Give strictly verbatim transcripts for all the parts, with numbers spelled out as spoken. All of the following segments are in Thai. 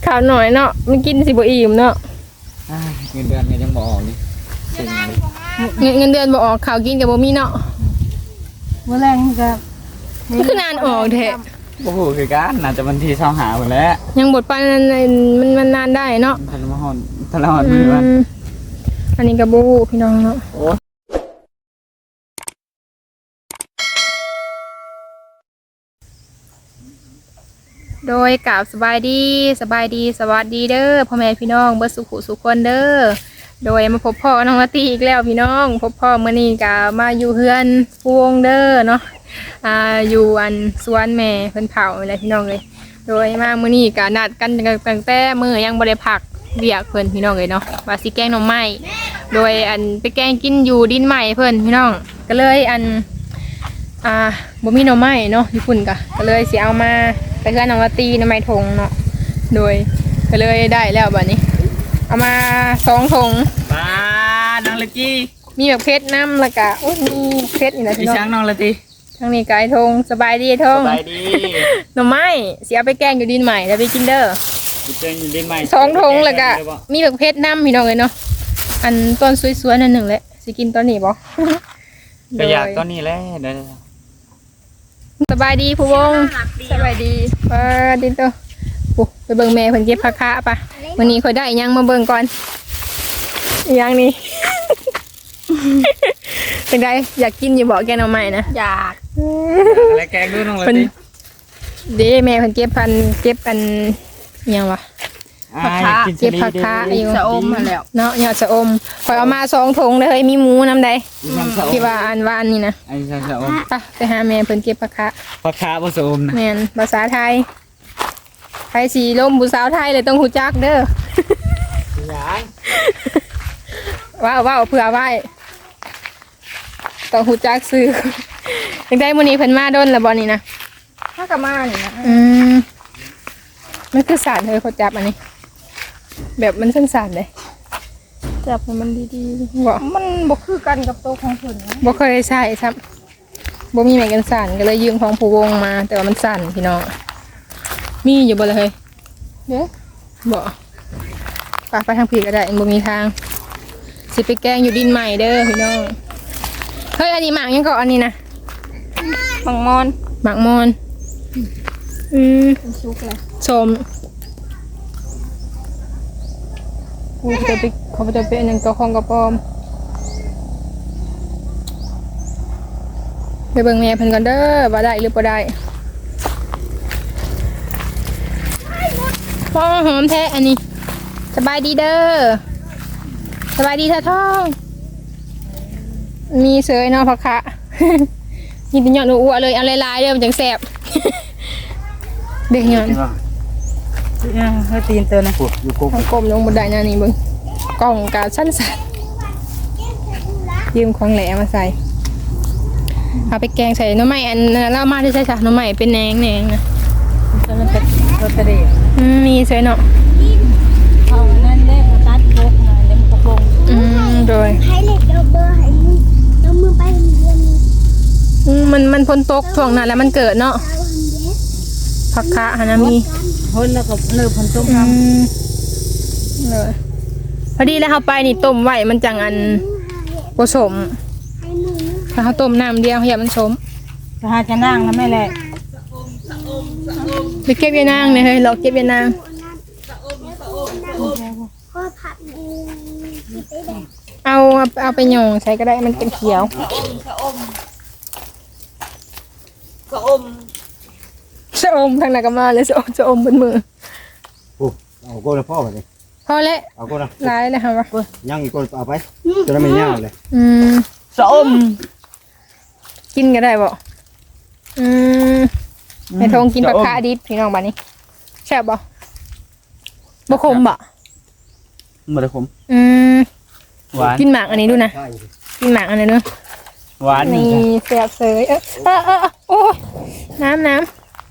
ข้าวหน่อยเนาะมันกินสิบ่อิ่มเนาะเงินเดือนยังบ่ออกนี่เงินเงินเดือนบ่ออกข้าวกินกับบ่มีเนาะมื้อแรงก็มันคือนานออกแท้บ่ฮู้คือกันน่าจะวันที่เช้าหาหมดแล้วยังบดปานนั้นมันมันนานได้เนาะทันมาฮอดทันฮอดมื้อวันอันนี้ก็บ่ฮู้พี่น้องเนาะโดยกราบสบายดีสบายดีสวัสดีเด้อพ่อแม่พี่น้องเบิดสุขุสุขคนเด้อโดยมาพบพ่อน้องละตีอีกแล้วพี่น้องพบพ่อมื้อนี้ก็มาอยู่เฮือนพวงเด้อเนาะอ่าอยู่อันสวนแม่เพิ่นเผาอะไรพี่น้องเลยโดยมามื้อนี้ก็นัดกันตั้งแต่มื้อยังบ่ได้พักเวียกเพิ่นพี่น้องเลยเนาะว่าสิแกงหน่อไม้โดยอันไปแกงกินอยู่ดินใหม่เพิ่นพี่น้องก็เลยอันอ่าบ่มีหน่อไม้เนาะญี่ปุ่นก็ก็เลยสิเอามาไปเฮือนน้องละตีหน่อไม้ทงเนาะโดยก็เลยได้แล้วบัดนี้เอามาสองถุงปลาน้องละจีมีแบบเพชรน้ำแล้วก็มีเพชรนี่แหละพี่น้องช้างน้องละจีทางนี้ไก่ทงสบายดีทงสบายดีหน่อไม้เสียไปแกงอยู่ดินใหม่แล้วไปกินเด้อแกงอยู่ดินใหม่สองถุงแล้วก็มีแบบเพชรน้ำพี่น้องเลยเนาะอันต้นสวยๆนั่นหนึ่งแหละสิกินตอนนี้บ่ก็อยากตอนนี้แหละเดี๋ยวสบายดีผู้วงสบายดีสบายดีตัวไปเบิ่งแม่เพิ่นเก็บผักคะป่ะวันนี้ค่อยได้ยังมาเบิ่งก่อนยังนี่เป็นไงอยากกินอยู่บ่แกงหน่อไม้นะอยากอะไรแกงด้วยน้องละจีเด้แม่เพิ่นเก็บพันเก็บอันยังวะผักคะเก็บผักคะอยู่ชะอมมาแล้วเนาะยอดชะอมข่อยเอามาสองถุงเลยเฮ้ยมีหมูน้ำใดที่ว่าอันว่าอันนี้นะไอ้ชะอมไปไปหาแม่เพิ่นเก็บผักคะผักคะผสมนะแม่นภาษาไทยไทยสีลมผู้สาวไทยเลยต้องหูจักเด้อว้าวว้าวเผื่อไว้ต้องหูจักซื้อยังได้มื้อนี้เพิ่นมาโดนแล้วบ่นี่นะถ้ากับมานี่นะอืมมันคือสารเลยเขาจับอันนี้แบบมันสั้นๆเลยจับมันดีๆบ่มันบ่คือกันกับโตของเพิ่นนะบ่เคยใช้ครับบ่มีแม่กันสั่นก็เลยยืมของผู้วงมาแต่ว่ามันสั่นพี่น้องมีอยู่บ่เลยเฮ้ยเด้บ่ปากไปทางผีก็ได้บ่มีทางสิไปแกงอยู่ดินใหม่เด้อพี่น้องเฮ้ยอันนี้หมากยังก็อันนี้นะหมักมอนหมากมอนอืมซุกเลยชมกูจะไปเขาจะไปอันนั้นก็ของกระปอมไปเบิ่งแม่เพิ่นก่อนเด้อว่าได้หรือบ่ได้พ่อหอมแท้อันนี้สบายดีเด้อสบายดีท่าท้องมีเสยเนาะผักคะนี่เป็นยอดอ้วนเลยเอาลายๆเด้อมันจังแซ่บเด็กยอดให้ตีนเตือนนะอยู่กบกลมลงบนไดนานี่เบิ่งกล่องกาสั้นสันยืมของแหลมาใส่เอาไปแกงใส่น้ำใหม่อันเล่ามาที่ใช่จ้ะน้ำใหม่เป็นแหนงแหนงนะมันเป็นรสเดชมีเสยเนาะเอานั่นเล่มตัดโบกมาเล่มกระโปรงอืมโดยให้เล็กเอาเบอร์ให้มือเอามือไปเรียนอืมมันมันพ้นตกถ่วงนั้นแล้วมันเกิดเนาะผักคะฮานามีเฮ้ยแล้วก็เนื้อพันต้มยำเลยพอดีแล้วเขาไปนี่ต้มไว้มันจังอันผสมถ้าเขาต้มน้ำเดียวอย่ามันสมจะหาจะนั่งแล้วไม่แหละไปเก็บยานางเนี่ยเฮ้ยเราเก็บยานางเอาเอาไปหย่องใช้ก็ได้มันเป็นเขียวกระอมชะอมทางไหนก็มาเลยชะอมชะอมบนมือโอ้เอาโก้นะพ่อไปเลยพ่อแล้วเอาโก้นะร้ายเลยค่ะวะย่างอีกโก้เอาไปจะได้ไม่ยากเลยอืมชะอมกินก็ได้บ่อืมในทงกินผักคะดิบพี่น้องบ้านนี้แซ่บบ่บ่ขมบ่บ่ได้ขมอืมหวานกินหมากอันนี้ดูนะกินหมากอันนี้เนาะหวานนี่แซ่บเสยเออเออเออโอ้ยน้ำน้ำ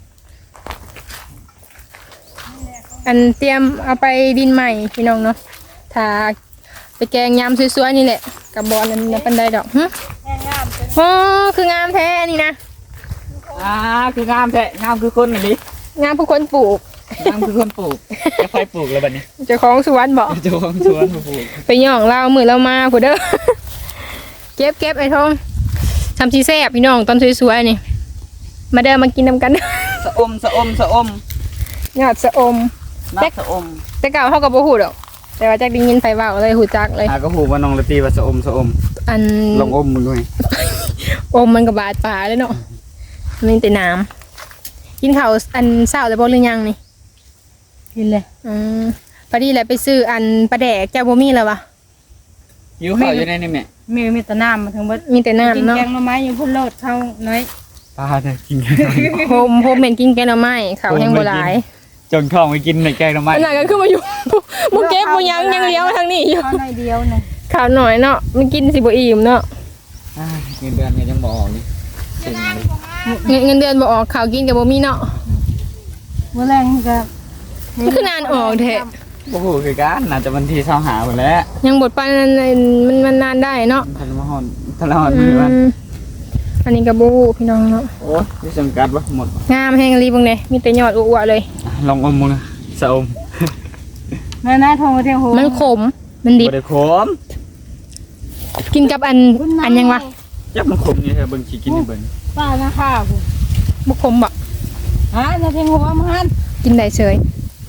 อันเตรียมเอาไปดินใหม่พี่น้องเนาะถ้าไปแกงยำสวยๆนี่แหละกับบอลนั่นเป็นได้ดอกฮะโอ้คืองามแท้นี่นะอ่าคืองามแท้งามคือคนนี่ดิงามผู้คนปลูกน้ำคือคนปลูกจะไฟปลูกแล้วบัดนี้เจ้าของสวนบ่เจ้าของสวนมาปลูกไปย่องเรามือเรามาผู้เด้อ เก็บเก็บไอ้ทองทำชีแซ่บพี่น้องตอนสวยๆนี่มาเด้อมากินนำกันสะอมสะอมสะอมยอดสะอมนักสะอมแต่เก่าเท่ากับบ่ฮู้ดอกแต่ว่าจักได้ยินไผเว้าเลยฮู้จักเลยหาก็หูว่าน้องละตีว่าสะอมสะอมอันลองอมมึงด้วยอมมันก็บาดปลาเลยเนาะมันแต่น้ำกินข้าวอันเช้าแล้วบ่หรือยังนี่กินเลยอืมพอดีแหละไปซื้ออันปลาแดกเจ้าบ่มีแล้ววะหิวข้าวอยู่ในนี่แม่มีมีแต่น้ำมาทั้งหมดมีแต่กินน้ำเนาะแกงหน่อไม้อยู่พุ่นโลดเข้าน้อยปลาเนี่ยกินโฮมโฮมเหม็นกินแกงหน่อไม้ข้าวแห้งบ่หลายจนท้องไปกินในแกงหน่อไม้ขนาดก็คือมาอยู่ บ่เก็บบ่ยังยังเลี้ยวมาทางนี้อยู่เข้าน้อยเดียวนะข้าวหน่อยเนาะมันกินสิบ่อิ่มเนาะเงินเดือนเนี่ยยังบอกออกนี่เซ็งเลยเงินเงินเดือนบ่ออกข้าวกินก็บ่มีเนาะเมื่อแรงก็มันคือนานออกแท้โอ้โหคือการน่าจะวันที่เช้าหาหมดแล้วยังบดปานนั้นมันมันนานได้เนาะทันมาหอนทันละหอนอืมือวันมอันนี้ก็บ่ฮู้พี่น้องเนาะโอ้ยที่จำกัดวะหมดงามแฮงรีเบิ่งเด้มีแต่ยอดอ้วๆเลยลองอมมึงนะสะอมแม่น้าทองมาเที่ยวโหมันขมมันดิบบ่ได้ขมกินกับอันอันยังวะยับมันขมนี่เธอเบิ่งขี้กินให้เบิ่งป้านะข้าวกูบ่ขมบ่ฮะนาเที่ยวหัวมันกินได้เฉย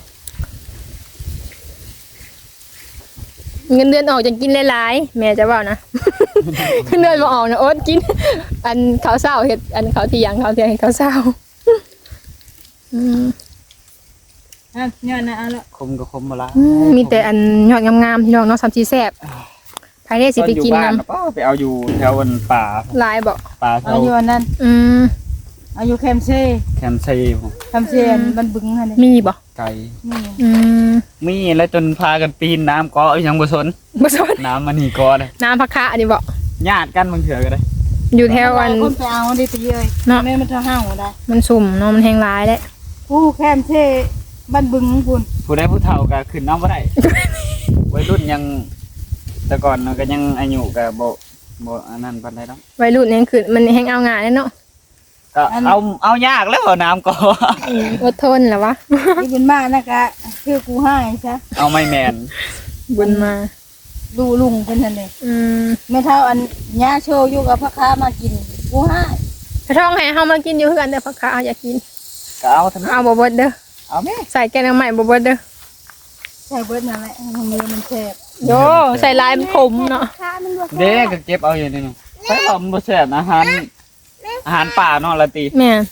เงินเดือนออกจะกินหลายๆแม่จะเว้านะ เงินเดือนบ่ออกนะอดกิน อันข้าวเช้าเฮ็ดอันข้าวเที่ยงข้าวเที่ยงเฮ็ดข้าวเช้าอืมอ่ะย้อนนะเอาละขมก็ขมมาละอืมมีแต่อันยอดงามๆพี่น้องเนาะสามสีแซ่บภายในสิไปกินตออยู่บ้านนำแล้วก็ไปเอาอยู่แถววันป่าหลายบ่ป่าแถเอาวอยู่อันนั้นอืมเอาอยู่แคมเซ่แคมซีผมแคมเซ่บันบึงฮะนี่มีบ่ไก่นี่อืมมีแล้วจนพากันปีนน้ำเก็ยังบ่สนบ่สนน้ำมันนี่ก็เลยน้ำผักคะอันนี้บ่ญาติกันบางเถื่อก็ได้อยู่แถวอันคนไปเอาดิตีเลยเนาะแม่มันจะห้าวได้มันสุ่มเนาะมันแห้งร้ายแหละผู้แคมเซ่บันบึงของคุณผู้ใดผู้เฒ่าก็ขึ้นน้ำบ่ได้ วัยรุ่นยังแต่ก่อนมันก็ยังอายุก็บ่บ่อันนั้นปานใดดอกวัยรุ่นนี่คือมันแห้งเอางานเนาะก็เอาเอายากแล้วน้ำก็อืมอดทนแหละวะที่บุญมานะกะคือกูให้ซะเอาไม่แมนบุญมาดูลุงเป็นทันเลยอืมไม่เท่าอันย่าโชว์อยู่กับพ่อค้ามากินกูให้ถ้าท้องให้เฮามากินอยู่คือกันเด้อผักคะเอาอยากกินก็เอาทั้งนั้นเอาบ่เบิดเด้อเอาแม่ใส่แกงน้ำใหม่บ่เบิดเด้อใช่เบิดนั่นแหละมันมีมันแซ่บโยใส่ลายมันขมเนาะข้ามันบวกเด็กก็เก็บเอาอยู่นี่เนาะไปเอามันบ่แซ่บอาหารอาหารป่าเนาะละตีแม่น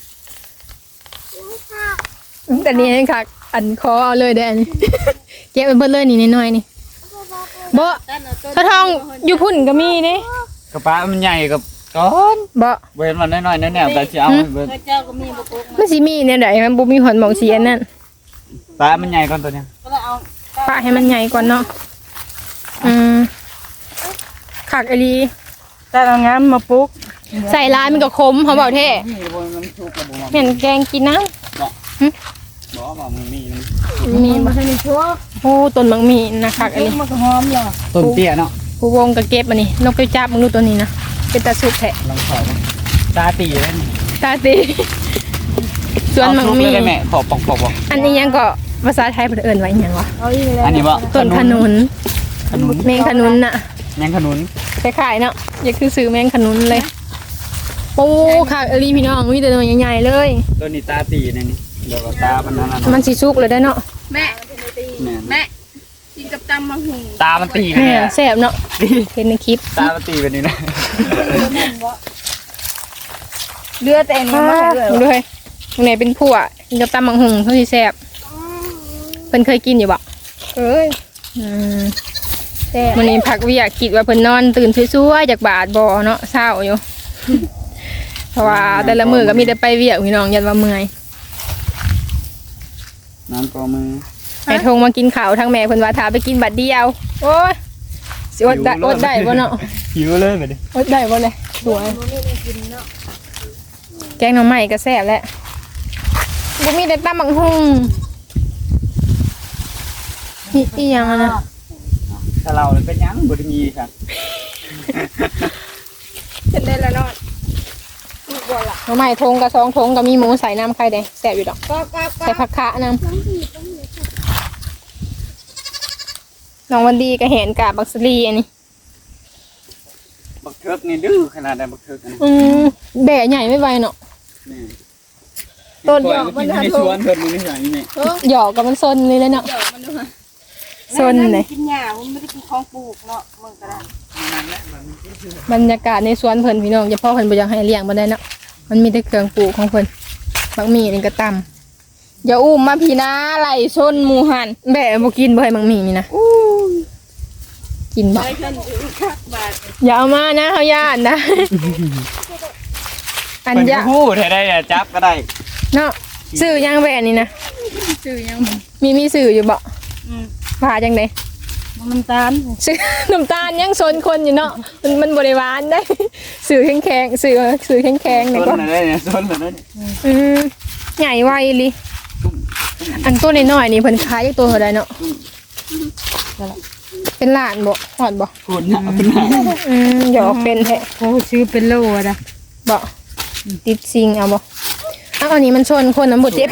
แต่นี่เองค่ะ อันคอเอาเลยเด้ออันนี้ เก็บไปเบิดเลยนี่น้อยๆนี่บ่ถ้าทองอยู่พุ่นก็มีเด้กระปะมันใหญ่กับก้อนบ่เว้นมันน้อยๆแน่ๆก็สิเอาให้เบิดเจ้าก็มีบะกุกมันสิมีแนวใดมันบ่มีหอนหมองสีอันนั้นปลามันใหญ่ก่อนตัวเนี้ยก็เลยเอาปะให้มันใหญ่ก่อนเนาะอืมคักอีหลีแต่เอางามมาปลุกใส่ลายมันก็คมเขาบอกแท้นี่บ่มันสุกแล้วบ่ว่าเหมือนแกงกินน้บ่ว่ามันมีมันำมีมาบ่ให้มีชั่วโอ้ต้นบางมีนะคักอีหลีมันก็หอมเหรอต้นเตี้ยเนาะผู้วงก็เก็บอันนี้นกไปจับมึงดูตัวนี้นะเป็นตาสุกแท้ลองขอมาตาตีแล้วนี่ตาตีส่วนบางมีเอาซุปเลยได้แม่ขอปอกๆบ่อันนี้ยังก็ภาษาไทยเพิ่นเอิ้นว่าอิหยังวะเอาอีกแล้วอันนี้บ่ต้นขนุนขนุนแมงขนุนน่ะแมงขนุนคล้ายๆเนาะอย่าคือซื้อแมงขนุนเลยโอ้คักอีหลีพี่น้องมีแต่ตัวใหญ่ๆเลยตัวนี้ตาตีนี่นี่เดี๋ยวก็ตามันนั่นน่ะมันสิสุกเลยได้อเนาะแม่แม่นแม่กินกับตำมะฮุงตามันตีไปแม่เนี่ยแซ่บเนาะเห็นในคลิปตามันตีไปนี่นะเลือดแต่นี่มาให้ด้วยดูเลยตรงไหนเป็นผัวกินกับตำบังหุงเขาสิแซ่บเพิ่นเคยกินอยู่บ่เอ้ยอืมแซ่บวันนี้พักเวิอยากคิดว่าเพิ่นนอนตื่นสวยๆจากบาดบ่เนาะเศร้าอยู่ เพราะว่าแต่ละมื้อก็มีแต่ไปเวียกพี่น้องยันว่าเมื่อยน้ำก็มือไอ้ทงมากินข้าวทั้งแม่เพิ่นว่าถ้าไปกินบัดเดียวโอ้ยสิอดได้อดได้บ่เนาะหิวเลยไปดิอดได้บ่เลยสวยแกงหน่อไม้ก็แซ่บแหละบ่มีแต่ตำบักหุ่งนี่อีหยังอะนะถ้าเราเป็นยังบ่ได้มีครับเป็นได้แล้วเนาะบ่ล่ะหน่อไม้ทงกับสองทงก็มีหมูใส่น้ำไข่แดงแซ่บอยู่ดอกก็ก็ก็ใส่ผักคะน้ต้องผีต้องเหลือำน้องวันดีก็เห็นกาบักสลีอันนี้บักเทิกนี่ดื้อขนาดใดบักเทิกนี่อืมแบะใหญ่ไม่ไหวเนาะนี่ต้นปล่อยมันอยู่ในสวนเพิ่นนี่อย่างนี้แม่หยอกกับมันซนเลยเลยเนาะเดี๋ยวมันดูฮะซนเลยกินหญ้ามันไม่ได้กินของปลูกเนาะมึงก็ได้บรรยากาศในสวนเพิ่นพี่น้องอย่าพ่อเพิ่นบ่อยากให้เลี้ยงบ่ได้เนาะมันมีแต่เครื่องปลูกของเพิ่นบักหมี่นี่ก็ตำอย่าอุ้มมาพี่นะไหลชนหมูหันแบะบ่กินบ่ให้บักหมี่นี่นะกินบ่ไปขึ้นถึงคักบาทอย่าเอามานะเฮาย่านนะอันเพิ่นยะก็ฮู้ได้ได้อะจับก็ได้เนาะซื้อยังแบะนี่นะชื่อยังมีมีซื้ออยู่บ่อืมว่าจังได๋มันตาลซื้อ น้ำตาลยังซนคนอยู่เนาะมันมันบ่ได้หวานได้ซื้อแข็งๆซื้อซื้อแข็งๆสนี่นก็น่ะได้เนี่ยสนน่ะได้อืมใหญ่ไวลิอันตัวน้อยๆนี่เพิ่นขายอยู่ตัวเท่าใดเนาะเป็นล้านบ่ฮอดบ่คุณน่ะเอาขึ้นมาอืมหยอกเป็นแท้โอ้ซื้อเป็นโลอะนะบ่ติดซิงเอาบ่อ้าวอันนี้มันชนคนน่ะบ่เจ็บ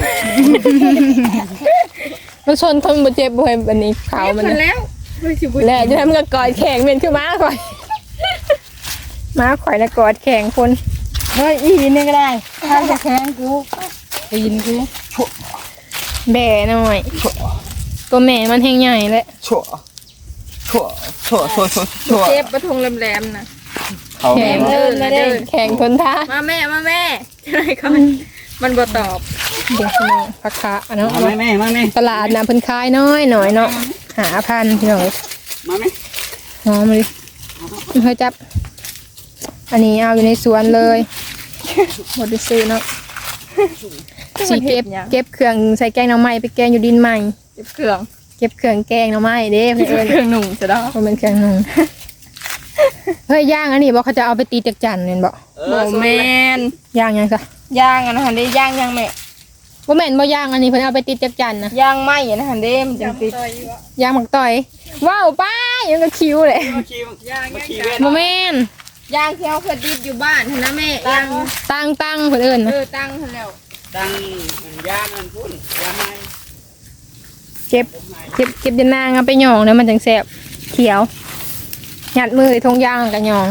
มันชนคนบ่เจ็บบ่ให้อันนี้ขาวมันมันนะแล้วไม่สิบุญแล้วจะทำกับกอดแข็งเป็นคือม้าข่อย ม้าข่อยแล้วกอดแข็งคนเฮ้ยอีนี่ก็ได้ถ้าจะแข้งกูไปยินกูแบ่หน่อยตัวแม่มันแห้งใหญ่แหละชั่วชั่วชั่วชั่วชั่วชั่วเจ็บประทงแหลมๆนะเขาแข็งเดินมาเดินแข็งทนท่ามาแม่มาแม่อะไรก่อนมันบ่ตอบเดี๋ยวพี่น้องพักคะเนาะมาแม่แม่มาแม่ตลาดนะเพิ่นขายน้อยหน่อยเนาะหาพันพี่น้องมาแม่หอมเลยเฮ้ยจับ อันนี้เอาอยู่ในสวนเลยหมดไปซื้อเนาะสีเก็บเก็บเครื่องใส่แกงหน่อไม้ไปแกงอยู่ดินใหม่เจ็บเครื่องเก็บเครื่องแกงหน่อไม้เด้เพื่อนเครื่องหนุ่มจะได้มันเป็นเครื่องนุ่งเฮ้ยย่างอันนี้บอกเขาจะเอาไปตีจักจันเนี่ยบอกเอโมอแมนย่างยังซะย่างอันนั้นได้ย่างยังแม่บ่แม่นบ่ย่างอันนี้เพิ่นเอาไปตีจักจันนะย่างไหมอันนั้นเด้มันจังติดย่างหมักต่อย ว้าวป้ายังก็คิ้วเลยมาขี่มาขี่เว้นบ่แม่นย่างที่เขาเคยดิบอยู่บ้านเห็นนะแม่ย่างตั้งตั้งเพิ่นเอิ้นเอนะอตั้งให้แล้วตั้งมันยางมันพุ่นยางไม้เก็บเก็บเก็บยานางเอาไปหยองแล้วมันจังแซ่บเขียวยัดมือทงย่างกับหยอง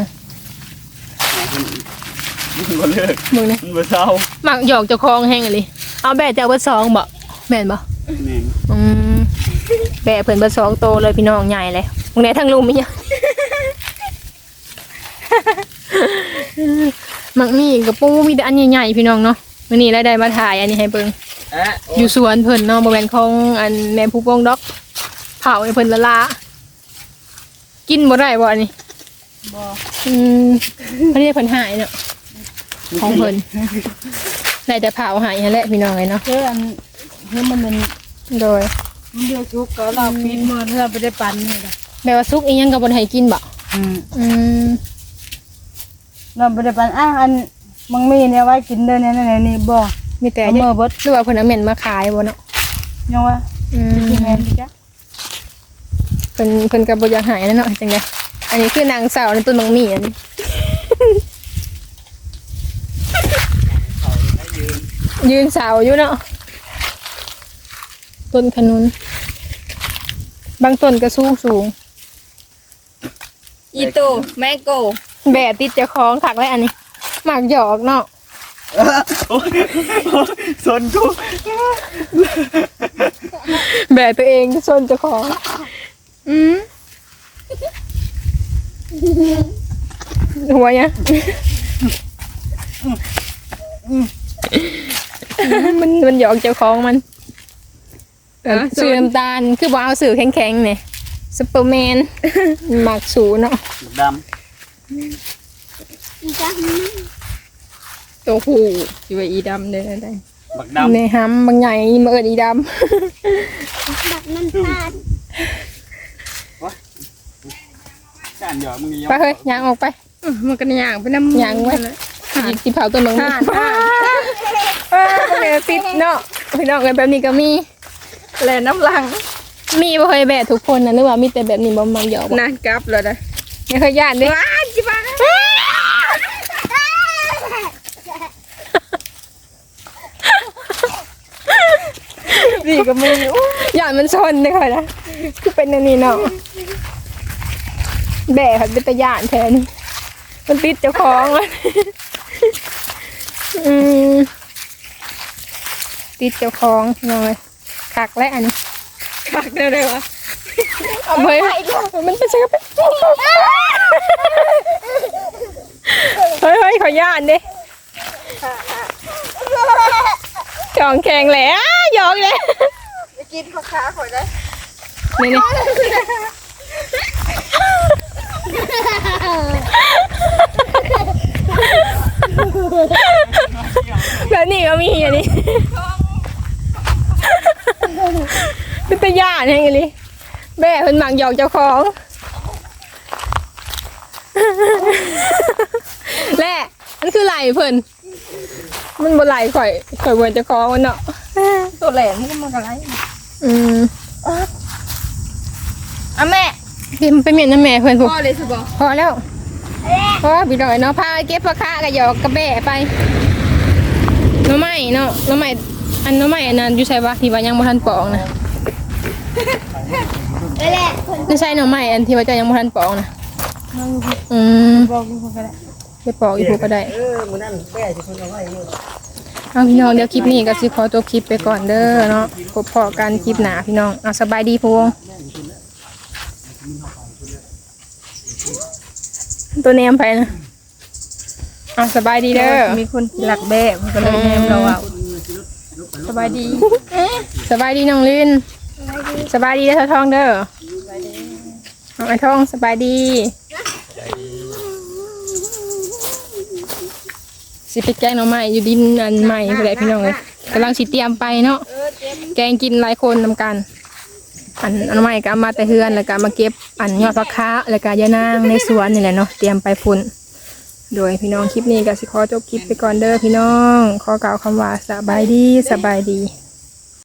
มันบ่เลิกมึงนี่มันบ่เศร้าหมักหยอกเจ้าของแห้งอะลิเอาแบะเจ้าเบิดสองบ่แม่นบ่แม่นอืมแบะเพิ่นเบิดสองโตเลยพี่น้องใหญ่เลยมึงได้ทั้งลุมมีหยัง มักมีกับปูมีแต่อันใหญ่ๆพี่น้องเนาะมื้อนี้ได้ได้มาถ่ายอันนี้ให้เบิ่งเอ๊ะอยู่สวนเพิ่นเนาะบ่แม่นของอันแม่ผู้ปงดอกเผาให้เพิ่นละลากินบ่ได้บ่อันนี้บ่อืมเพิ่นเรียกเพิ่นหายเนาะของเพิ่นได้แต่เผาหายนั่นแหละพี่น้องเอ้ยเนาะเอออันเฮ้ยมันเป็นโดยมันเดือดชุกก็เราปีนมือเราไปได้ปันให้ละแม่ว่าซุกอีหยังก็บ่ได้ให้กินบ่อืมอืมเราไปได้ปันอ่ะอันมังมีเนี่ยไว้กินเด้อเนี่ยนี่นี่บ่มีแต่เอาเยมื่ออะเบิดหรือว่าเพิ่นเอาเหม็นมาขายบ่เนาะยังว่าอืมกินแม่นดิจ้ะเพิ่นเพิ่นก็บ่อยากหายนั่นเนาะจังได๋อันนี้คือนางสาวในต้นมังมีอันนี้ ยืนเสาอยู่เนาะต้นขนุนบางต้นก็สูงสูงอีโตแมงโกแบะติดเจ้าของขักไว้อันนี้หมากหยอกเนาะโอ้ยสนกูแบะตัวเองส้นเจ้าของ อืมหัวเนี่ยมันมันหยอกเจ้าของมันสื่อน้ำตาลคือบ่เอาสื่อแข็งๆเนี่ยซุปเปอร์แมนหมักสูเนาะดอีจ้าตัวผู้อยู่อีดำเด้อได้ำบักดำในห้ำบางใหญ่มาเอิดอีดบักน้ำตาลการหยอกมึงำไปเฮ้ยยางออกไปเออมันก็ย่างไปน้ำย่างไว้ สิสิเผาต้นมังมีห่านห่านว้าวแม่ติดเนาะพี่น้องกันแบบนี้ก็มีแลน้ำลังมีบ่เคยแบะทุกคนนะหรือว่ามีแต่แบบนี้บ่มักหยอกบ่นานกลับแล้วนะไม่เคยย่านเด้ว้าจิบ้านี่ก็มีอู้อย่ามันชนเลยค่ะนะคือเป็นอันนี้เนาะแบะค่ะเป็นตะย่านแทนมันติดเจ้าของมันอืมติดเจ้าของหน่อยคักและอันนี้คักได้เลยวะเอาไปมันเป็นเชือกเฮ้ยเฮ้ยขอย่านดิจองแข่งแหละยองเลยไปกินข้าวขาข่อยได้นี่นี่แล้วนี่ก็มีอันนี้เป็นตะย่านอย่างนี้แม่เพิ่นหมักหยอกเจ้าของและมันคือไหลเพิ่นมันบ่ไหลข่อยข่อยเบิ่นเจ้าของมันเนาะตัวแหลมมันก็มันก็ไรอืมอ่ะแม่พิมพ์ไปเมียนน้ำแม่เพิ่นพวกพ่อเลยสิบอกพอแล้วพอพี่ดอยเนาะพาเก็บผักคะกับหยอกกระแบะไปหน้ำไม้เนาะหน้ำไม้อันหน้ำไม้อันนั้นอยู่ใช่ปะที่ว่ายังบ่ทันปอกนะไปแหละคนไม่ใช่หน้ำไม้อันที่ว่าเจะยังบ่ทันปอกนะอืมบอกอยู่คนก็ได้ไปปอกอีกพวกก็ได้เออมื้อนั้นแม่สิเพิ่นเอาไว้อยู่เอาพี่น้องเดี๋ยวคลิปนี้ก็สิขอตัวคลิปไปก่อนเด้อเนาะพบพอกันคลิปหน้าพี่น้องเอาสบายดีพวงตัวเนมไปนะเอาสบายดีเด้อมีคนหลักแบ่มันก็เลยแนมเราเอาสบายดี สบายดีน้องลินสบายดีเด้อเท่าทองเด้อน้องไอ้ทองสบายดีสิไปแกงหน่อไม้อยู่ดินอันใหม่ไปเลยพี่น้องเลยกำลังสิเตรียมไปเนาะแกงกินหลายคนนำกัน อันอันใหม่ก็เอามาแต่เฮือนแล้วก็มาเก็บอันยอดผักคะแล้วก็ยานางในสวนนี่แหละเนาะเตรียมไปพุ่นโดยพี่น้องคลิปนี้ก็สิขอจบคลิปไปก่อนเด้อพี่น้องขอกล่าวคำว่าสบายดีสบายดี